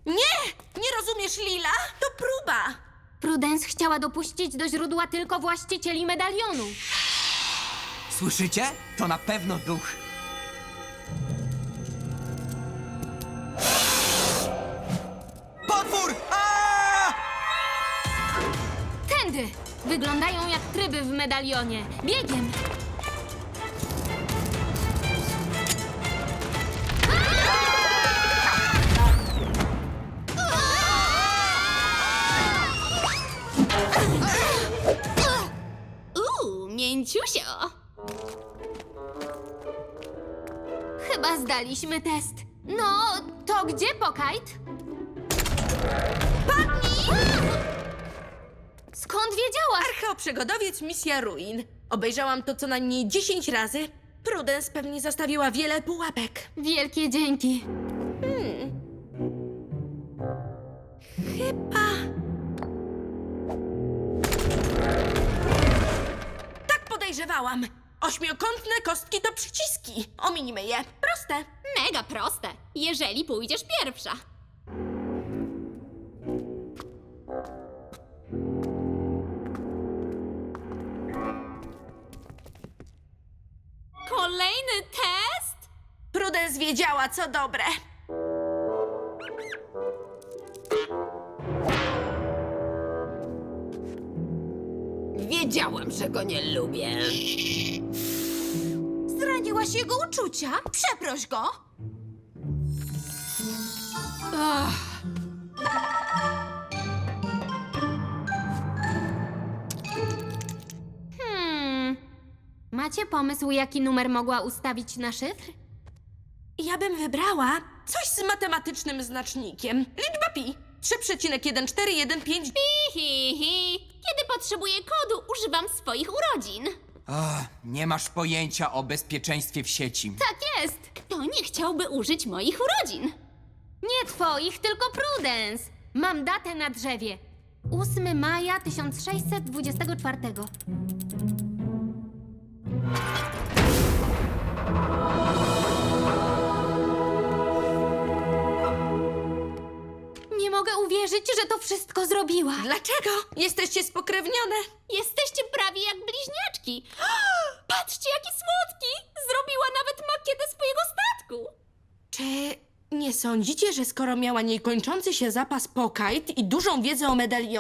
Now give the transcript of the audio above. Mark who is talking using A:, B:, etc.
A: Nie rozumiesz, Lila? To próba.
B: Prudence chciała dopuścić do źródła tylko właścicieli medalionu.
C: Słyszycie? To na pewno duch. Potwór! Aaaa!
B: Tędy! Wyglądają jak tryby w medalionie. Biegiem!
D: Mięciusio!
B: Chyba zdaliśmy test. No, to gdzie Pokajt? Padnij! Skąd wiedziałaś?
A: Archeoprzygodowiec Misja Ruin. Obejrzałam to co najmniej 10 razy. Prudence pewnie zastawiła wiele pułapek.
B: Wielkie dzięki.
A: Chyba... Tak podejrzewałam. Ośmiokątne kostki to przyciski. Ominimy je. Proste.
D: Mega proste, jeżeli pójdziesz pierwsza. Kolejny test?
A: Prudence wiedziała, co dobre.
E: Wiedziałam, że go nie lubię.
A: Zraniłaś jego uczucia? Przeproś go.
B: Macie pomysł, jaki numer mogła ustawić na szyfr?
A: Ja bym wybrała coś z matematycznym znacznikiem. Liczba pi. 3,1415.
D: Hi. Kiedy potrzebuję kodu, używam swoich urodzin.
C: Nie masz pojęcia o bezpieczeństwie w sieci.
B: Tak jest!
D: Kto nie chciałby użyć moich urodzin?
B: Nie twoich, tylko Prudence. Mam datę na drzewie. 8 maja 1624. Nie mogę uwierzyć, że to wszystko zrobiła.
A: Dlaczego? Jesteście spokrewnione.
D: Jesteście prawie jak bliźniaczki. Patrzcie, jaki słodki! Zrobiła nawet makietę swojego statku.
A: Czy nie sądzicie, że skoro miała niekończący się zapas Pokajt i dużą wiedzę o medalionie,